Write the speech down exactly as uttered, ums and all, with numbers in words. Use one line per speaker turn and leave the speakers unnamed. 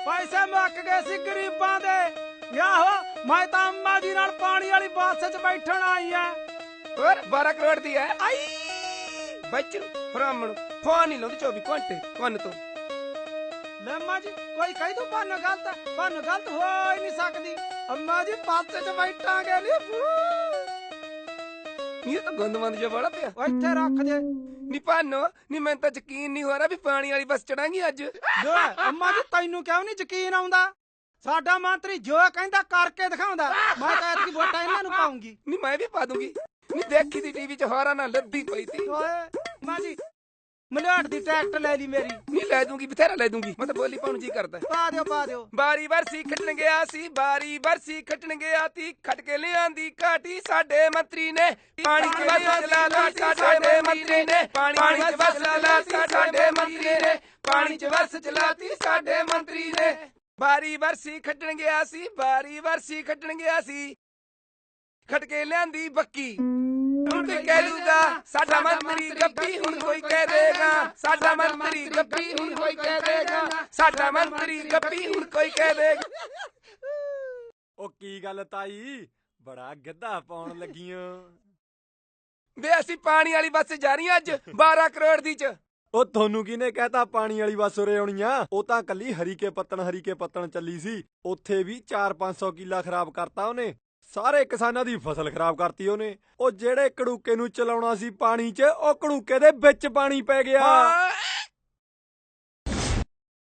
ਪੈਸੇ ਮੁੱਕ ਗਏ ਸੀ ਗਰੀਬਾਂ ਦੇ। ਆਹੋ ਮੈਂ ਤਾਂ ਅੰਮਾ ਜੀ ਨਾਲ ਪਾਣੀ ਵਾਲੀ ਬੱਸ 'ਚ ਬੈਠਣ ਆਈ ਆ।
ਹੋਰ ਬਾਰਾਂ ਕਰੋੜ ਦੀ ਹੈ ਆਈ ਬੱਚੂ ਫਰਾਮਣ ਫੋਨ ਨਹੀਂ ਲਾਉਂਦੀ ਚੌਵੀ ਘੰਟੇ ਕੰਨ ਤੋਂ।
ਲੈ ਅੰਮਾ ਜੀ ਕੋਈ ਕਹੀ ਤੂੰ ਭਾਨੂੰ ਗਲਤ ਭਾਨੂੰ ਗਲਤ ਹੋ ਹੀ ਨਹੀਂ ਸਕਦੀ। ਅੰਮਾ ਜੀ ਬੱਸ 'ਚ ਬੈਠਾਂਗੇ ਨੀ
ਇਹ ਤਾਂ ਗੰਦਮੰਦ ਜਿਹਾ ਬੜਾ ਪਿਆ।
ਇੱਥੇ ਰੱਖ ਦੇ
ਨੀ ਭਾਨੋ ਨੀ ਮੈਨੂੰ ਤਾਂ ਯਕੀਨ ਨਹੀਂ ਹੋ ਰਿਹਾ ਵੀ ਪਾਣੀ ਵਾਲੀ ਬੱਸ ਚੜਾਂਗੀ ਅੱਜ।
ਲੈ ਅੰਮਾ ਜੀ ਤੈਨੂੰ ਕਿਉਂ ਨਹੀਂ ਯਕੀਨ ਆਉਂਦਾ? ਸਾਡਾ ਮੰਤਰੀ ਜੋ ਕਹਿੰਦਾ ਕਰਕੇ ਦਿਖਾਉਂਦਾ। ਮੈਂ ਤਾਂ ਐਤਕੀ ਵੋਟਾਂ ਇਹਨਾਂ ਨੂੰ ਪਾਉਂਗੀ।
ਨੀ ਮੈਂ ਵੀ ਪਾ ਦੂੰਗੀ। ਨੀ ਦੇਖੀ ਦੀ ਟੀਵੀ 'ਚ ਹੋਰਾਂ ਨਾਲ ਲੱਦੀ ਪਈ ਤੀ।
ਓਏ ਅੰਮਾ ਜੀ ਮਲਿਆੜ ਦੀ ਟਰੈਕਟਰ ਲੈ ਲਈ ਮੇਰੀ।
ਨੀ ਲੈ ਦੂੰਗੀ ਬਥੇਰਾ ਲੈ ਦੂੰਗੀ। ਮੈਂ ਤਾਂ ਬੋਲੀ ਪਾਉਣ ਜੀ ਕਰਦਾ।
ਪਾ ਦਿਓ ਪਾ ਦਿਓ।
ਬਾਰੀ ਬਰਸੀ ਖੱਟਣ ਗਿਆ ਸੀ ਬਾਰੀ ਬਰਸੀ ਖੱਟਣ ਗਿਆ ਤੀ ਖੱਟ ਕੇ ਲਿਆਂਦੀ ਘਾਟੀ ਸਾਡੇ ਮੰਤਰੀ ਨੇ ਪਾਣੀ ਚ ਵਸ ਚਲਾ ਤੀ ਸਾਡੇ ਮੰਤਰੀ ਨੇ ਪਾਣੀ ਚ ਵਸ ਚਲਾ ਤੀ ਸਾਡੇ ਮੰਤਰੀ ਨੇ ਪਾਣੀ ਚ ਵਸ ਚਲਾ ਤੀ ਸਾਡੇ ਮੰਤਰੀ ਨੇ ਬਾਰੀ ਬਰਸੀ ਖੱਟਣ ਗਿਆ ਸੀ ਬਾਰੀ ਬਰਸੀ ਖੱਟਣ ਗਿਆ ਸੀ ਖੱਟ ਕੇ ਲਿਆਂਦੀ ਬੱਕੀ। ਹੁਣ ਕੋਈ ਕਹਿ ਦੂਗਾ ਸਾਡਾ ਮੰਤਰੀ ਗੱਪੀ ਹੁਣ ਕੋਈ ਕਹਿ ਦੇਗਾ ਸਾਡਾ ਮੰਤਰੀ ਗੱਪੀ ਹੁਣ ਕੋਈ ਕਹਿ ਦੇਗਾ ਸਾਡਾ ਮੰਤਰੀ ਗੱਪੀ ਹੁਣ ਕੋਈ ਕਹਿ ਦੇਗਾ।
ਉਹ ਕੀ ਗੱਲ ਤਾਈ ਬੜਾ ਗਿੱਧਾ ਪਾਉਣ ਲੱਗੀਆਂ
ਵੇ ਅਸੀਂ ਪਾਣੀ ਵਾਲੀ ਬੱਸ ਜਾ ਰਹੀ ਅੱਜ ਬਾਰਾਂ ਕਰੋੜ ਦੀ ਚ।
ਉਹ ਤੁਹਾਨੂੰ ਕਿਹਨੇ ਕਹਿਤਾ ਪਾਣੀ ਵਾਲੀ ਬੱਸ ਉਰੇ ਆਉਣੀ ਆ? ਉਹ ਤਾਂ ਕੱਲੀ ਹਰੀਕੇ ਪੱਤਣ ਹਰੀਕੇ ਪੱਤਣ ਚੱਲੀ ਸੀ। ਉੱਥੇ ਵੀ ਚਾਰ ਪੰਜ ਸੌ ਕਿੱਲਾ ਖਰਾਬ ਕਰਤਾ ਉਹਨੇ। ਸਾਰੇ ਕਿਸਾਨਾਂ ਦੀ ਫਸਲ ਖਰਾਬ ਕਰਤੀ ਉਹਨੇ। ਉਹ ਜਿਹੜੇ ਕੜੂਕੇ ਨੂੰ ਚਲਾਉਣਾ ਸੀ ਪਾਣੀ 'ਚ ਉਹ ਕੜੂਕੇ ਦੇ ਵਿੱਚ ਪਾਣੀ ਪੈ ਗਿਆ।